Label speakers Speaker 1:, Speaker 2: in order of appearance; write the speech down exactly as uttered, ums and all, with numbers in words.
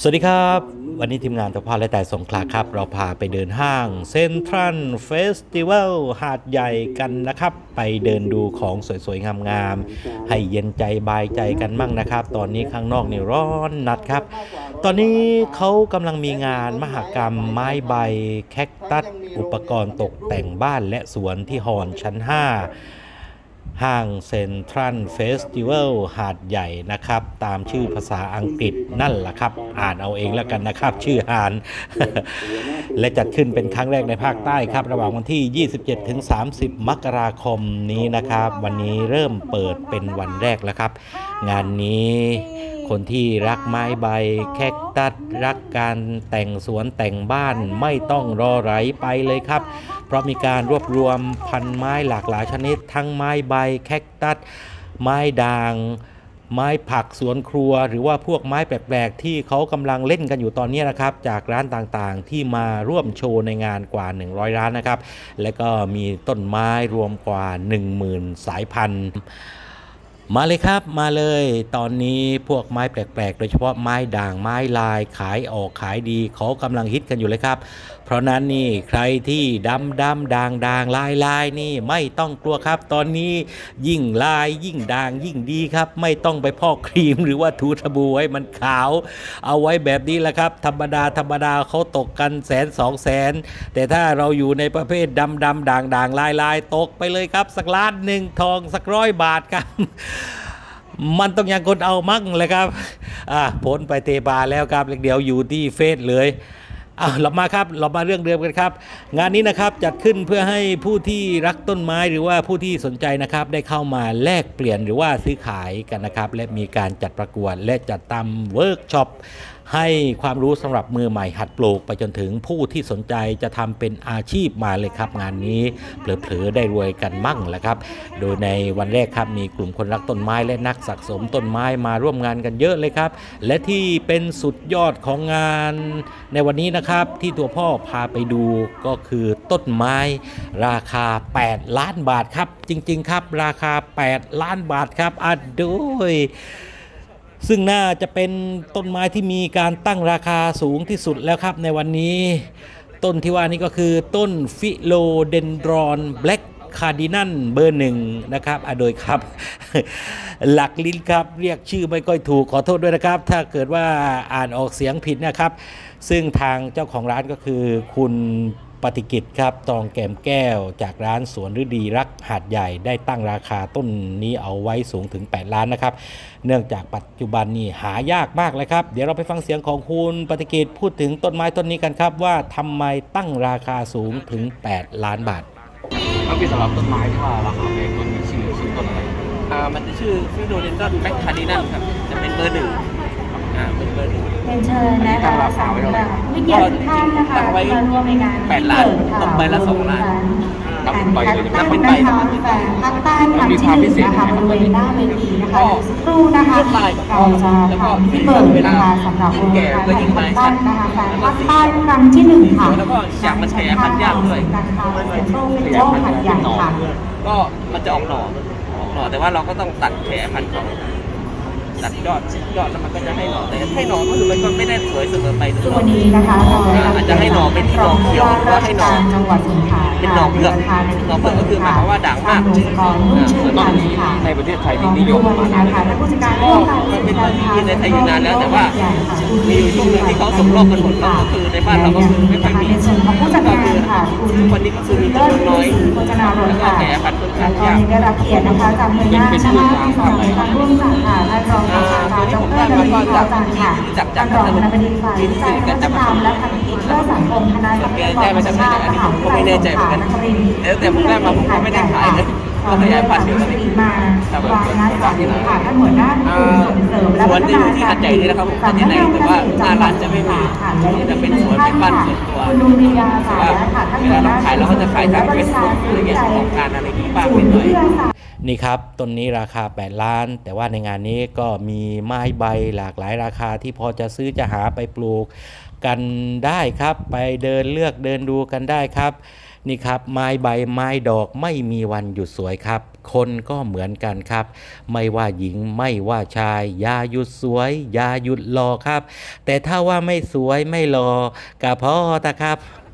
Speaker 1: วัสดีครับวันนี้ทีมงานทพและแต่สงขลาครับเราพาไปเดินห้างเซ็นทรัลเฟสติวัลหาดใหญ่กันนะครับไปเดินดูของสวยๆงามๆให้เย็นใจบายใจกันมั่งนะครับตอนนี้ข้างนอกนี่ร้อนนัดครับตอนนี้เขากำลังมีงานมหกรรมไม้ใบแคคตัสอุปกรณ์ตกแต่งบ้านและสวนที่ฮอนชั้นห้าห้างเซ็นทรัลเฟสติวัลหาดใหญ่นะครับตามชื่อภาษาอังกฤษนั่นแหละครับอ่านเอาเองแล้วกันนะครับชื่อฮาน และจัดขึ้นเป็นครั้งแรกในภาคใต้ครับระหว่างวันที่ ยี่สิบเจ็ดถึงสามสิบ มกราคมนี้นะครับวันนี้เริ่มเปิดเป็นวันแรกแล้วครับงานนี้คนที่รักไม้ใบแคคตัสรักการแต่งสวนแต่งบ้านไม่ต้องรอไหลไปเลยครับเพราะมีการรวบรวมพันไม้หลากหลายชนิดทั้งไม้ใบแคคตัสไม้ด่างไม้ผักสวนครัวหรือว่าพวกไม้แปลกๆที่เขากำลังเล่นกันอยู่ตอนนี้นะครับจากร้านต่างๆที่มาร่วมโชว์ในงานกว่าหนึ่งร้อยร้านนะครับและก็มีต้นไม้รวมกว่า หนึ่งหมื่น สายพันธุ์มาเลยครับมาเลยตอนนี้พวกไม้แปลกๆโดยเฉพาะไม้ด่างไม้ลายขายออกขายดีเขากำลังฮิตกันอยู่เลยครับเพราะนั้นนี่ใครที่ดำดำด่างด่างลายลายนี่ไม่ต้องกลัวครับตอนนี้ยิ่งลายยิ่งด่างยิ่งดีครับไม่ต้องไปพอกครีมหรือว่าถูสบู่ให้มันขาวเอาไว้แบบนี้แหละครับธรรมดาธรรมดาเขาตกกันแสนสองแสนแต่ถ้าเราอยู่ในประเภทดำดำด่างด่างลายลายตกไปเลยครับสักล้านหนึ่งทองสักร้อยบาทครับมันต้องยังคนเอามั่งเลยครับอ่ะพ้นไปเตบาแล้วครับเดี๋ยวอยู่ที่เฟซเลยอ่ะเรามาครับเรามาเรื่องเดิมกันครับงานนี้นะครับจัดขึ้นเพื่อให้ผู้ที่รักต้นไม้หรือว่าผู้ที่สนใจนะครับได้เข้ามาแลกเปลี่ยนหรือว่าซื้อขายกันนะครับและมีการจัดประกวดและจัดทำเวิร์กช็อปให้ความรู้สำหรับมือใหม่หัดปลูกไปจนถึงผู้ที่สนใจจะทำเป็นอาชีพมาเลยครับงานนี้เผลอๆได้รวยกันมั่งแหละครับโดยในวันแรกครับมีกลุ่มคนรักต้นไม้และนักสะสมต้นไม้มาร่วมงานกันเยอะเลยครับและที่เป็นสุดยอดของงานในวันนี้นะครับที่ตัวพ่อพาไปดูก็คือต้นไม้ราคาแปดล้านบาทครับจริงๆครับราคาแปดล้านบาทครับอ่ะโดยซึ่งน่าจะเป็นต้นไม้ที่มีการตั้งราคาสูงที่สุดแล้วครับในวันนี้ต้นที่ว่านี้ก็คือต้นฟิโลเดนดรอนแบล็กคาร์ดินัลเบอร์หนึ่งนะครับอ่ะโดยครับ หลักลิ้นครับเรียกชื่อไม่ค่อยถูกขอโทษด้วยนะครับถ้าเกิดว่าอ่านออกเสียงผิดนะครับซึ่งทางเจ้าของร้านก็คือคุณปฏิกิจครับตองแก้มแก้วจากร้านสวนฤดีรักหาดใหญ่ได้ตั้งราคาต้นนี้เอาไว้สูงถึงแปดล้านนะครับเนื่องจากปัจจุบันนี้หายากมากเลยครับเดี๋ยวเราไปฟังเสียงของคุณปฏิกิจพูดถึงต้นไม้ต้นนี้กันครับว่าทำไมตั้งราคาสูงถึงแปดล้านบาท
Speaker 2: ก็คือสำหรับต้นไม้ที่ว่าราคาแพงต้นมีชื่อชื่อต้นอะไรอ่ามันจะชื่อฟิโดเดนดอนแบ็คคาร์ดินัลครับจะเป็นเบอร์หนึ่งอ่าเป็นเบอร์หนึ่ง
Speaker 3: เป็นเชิญนะคะสำหรับวิเกียรติท่านนะคะ
Speaker 2: ตั้งไว้แปดล้านตกใบละสองล้าน
Speaker 3: การคัดตั้งนะคะแต่ภาคใต้ครั้งที่หนึ่งนะคะบริเวณหน้าเวทีนะคะสักครู่นะคะเราจะทำที่เปิดนะคะสำหรับโครงการแห่งคัดตั้งนะคะแต่ภาคใต้ครั้งที่หนึ่งค่ะ
Speaker 2: แล้วก็อยากมาแชร์พันธุ์ยากด้วย
Speaker 3: เซ็นทรัลฟิโลหัดใหญ่ค่ะ
Speaker 2: ก็มันจะออกหน่อออกหน่อแต่ว่าเราก็ต้องตัดแผลพันธุ์ของตัดยอดยอดแล้วมันก็จะให้หน่อแต่ให้หน่อก็คือมันก็ไม่ได้สวยเสมอไปทุกหน่อ
Speaker 3: วันนี้นะคะเรา
Speaker 2: อาจจะให้หน่อเป็นที่หน่อเขียวหรือว่าให้หน่อ
Speaker 3: จังหวัดสงขลา
Speaker 2: เป็นหน่อเผือกหน่อเผือกก็คือหมายความว่าด่างมาก
Speaker 3: ตอนนี้
Speaker 2: ในประเทศไทยที่นิยมมา
Speaker 3: นานค่ะผู้จัดการร่วมกัน
Speaker 2: มันเป็นต้นที่ในไทยอยู่นานแล้วแต่ว่ามีอยู่ช่วงหนึ่งที่เขาสมรบกันหมดแล้วก็คือในบ้านเราก็คือไม่ค่อยมี
Speaker 3: ผู้จัดการค่ะ
Speaker 2: ทุกวันนี้ก็คือมีจำนวนน้อยแล้วก็แผลพันธุ์ค่อนข้างยาก
Speaker 3: ได้รับเกียรตินะคะจากหน่วยงานนะคะในการร่วมจัดค่ะท่านรองศาสตราจารย์ดรนฤดีพอจันทร์ค่ะท่านรองคณบดีฝ่ายวิจัยนวัตกรรมและพันธกิจเพื่อสังคมคณะทรัพยากรธรรมชาติมหาวิทยาลัยสงขลานครินทร์
Speaker 2: แต่ผมได้มาผมก็ไม่ได้ขายนะก็ขยายพันธุ์อยู่ตอนนี้
Speaker 3: มาวางนัดจัดค่ะท่านหัวหน้าส่งเสริมและพัฒนา
Speaker 2: ที่หัดใหญ่นี่นะครับผมที่ไหนแต่ว่าหน้าร้านจะไม่มีจะเป็นสวนเป็นบ้านส่วนตัว
Speaker 3: คุณลุงมียาสายค่ะท่านหัวหน้า
Speaker 2: ขายเราก็จะขายทางเฟซบุ๊กอะไรเงี้ยของการอะไรที่บ้างเป็นหน่อย
Speaker 1: นี่ครับต้นนี้ราคาแปดล้านแต่ว่าในงานนี้ก็มีไม้ใบหลากหลายราคาที่พอจะซื้อจะหาไปปลูกกันได้ครับไปเดินเลือกเดินดูกันได้ครับนี่ครับไม้ใบไม้ดอกไม่มีวันหยุดสวยครับ คนก็เหมือนกันครับ ไม่ว่าหญิงไม่ว่าชายอย่าหยุดสวยอย่าหยุดรอครับ แต่ถ้าว่าไม่สวยไม่รอกะพอตะครับ